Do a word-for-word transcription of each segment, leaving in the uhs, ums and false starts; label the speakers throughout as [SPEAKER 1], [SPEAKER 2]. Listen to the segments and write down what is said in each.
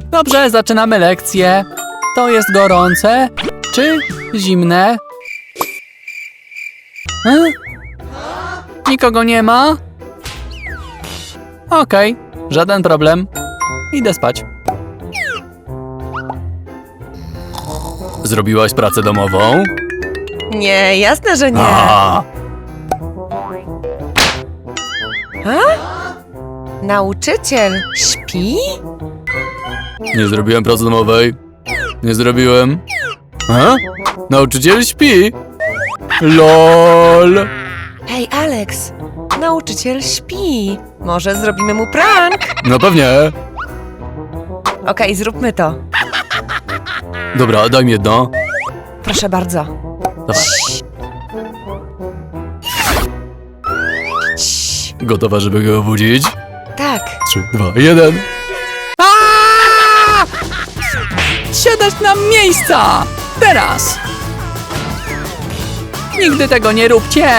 [SPEAKER 1] Dobrze, zaczynamy lekcję. To jest gorące czy zimne? E? Nikogo nie ma? Okej, żaden problem. Idę spać. Zrobiłaś pracę domową?
[SPEAKER 2] Nie, jasne, że nie.
[SPEAKER 1] A,
[SPEAKER 2] A? Nauczyciel śpi?
[SPEAKER 1] nie zrobiłem pracy domowej. Nie zrobiłem. A? Nauczyciel śpi. LOL.
[SPEAKER 2] Hej, Alex, nauczyciel śpi. Może zrobimy mu prank?
[SPEAKER 1] No pewnie.
[SPEAKER 2] Okej, zróbmy to.
[SPEAKER 1] Dobra, daj mi jedno.
[SPEAKER 2] Proszę bardzo.
[SPEAKER 1] Dawaj.
[SPEAKER 2] Cii.
[SPEAKER 1] Gotowa, żeby go obudzić?
[SPEAKER 2] Tak.
[SPEAKER 1] Trzy, dwa, jeden. Siadać na miejsca! Teraz! Nigdy tego nie róbcie!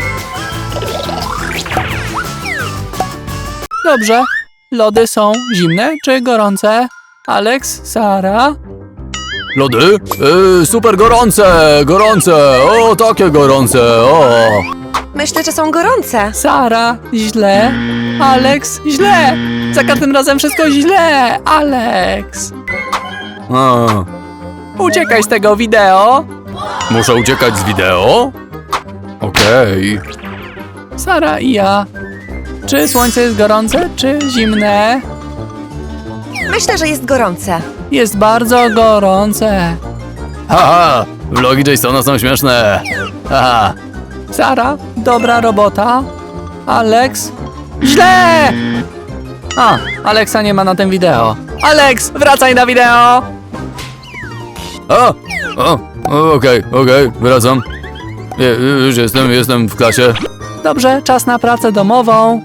[SPEAKER 1] Dobrze. Lody są zimne czy gorące? Alex, Sara? Lody? Yy, super gorące! Gorące! O, takie gorące! O!
[SPEAKER 2] Myślę, że są gorące.
[SPEAKER 1] Sara, źle. Alex, źle. Za każdym razem wszystko źle. Alex. A. Uciekaj z tego wideo. Muszę uciekać z wideo? Okej. Okay. Sara i ja. Czy słońce jest gorące, czy zimne?
[SPEAKER 2] Myślę, że jest gorące.
[SPEAKER 1] Jest bardzo gorące. Haha, vlogi Jasona są śmieszne. Haha. Sara, dobra robota. Alex, źle! A, Alexa nie ma na tym wideo. Alex, wracaj na wideo! O, o, okej, okej, wracam. Je, już jestem, jestem w klasie. Dobrze, czas na pracę domową.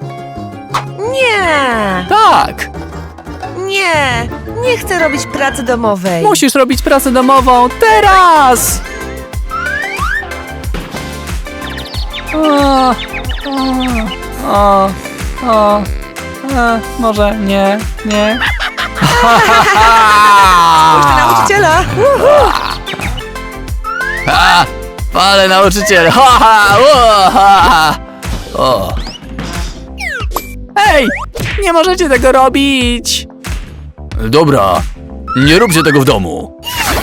[SPEAKER 2] Nie,
[SPEAKER 1] Tak,
[SPEAKER 2] nie, nie chcę robić pracy domowej.
[SPEAKER 1] musisz robić pracę domową teraz! O, o, o, o, e, może nie, nie.
[SPEAKER 2] Spójrz na nauczyciela. Uhu.
[SPEAKER 1] Ha, ale nauczyciel! Ha, ha, o, ha, o. Ej! Nie możecie tego robić! Dobra, nie róbcie tego w domu.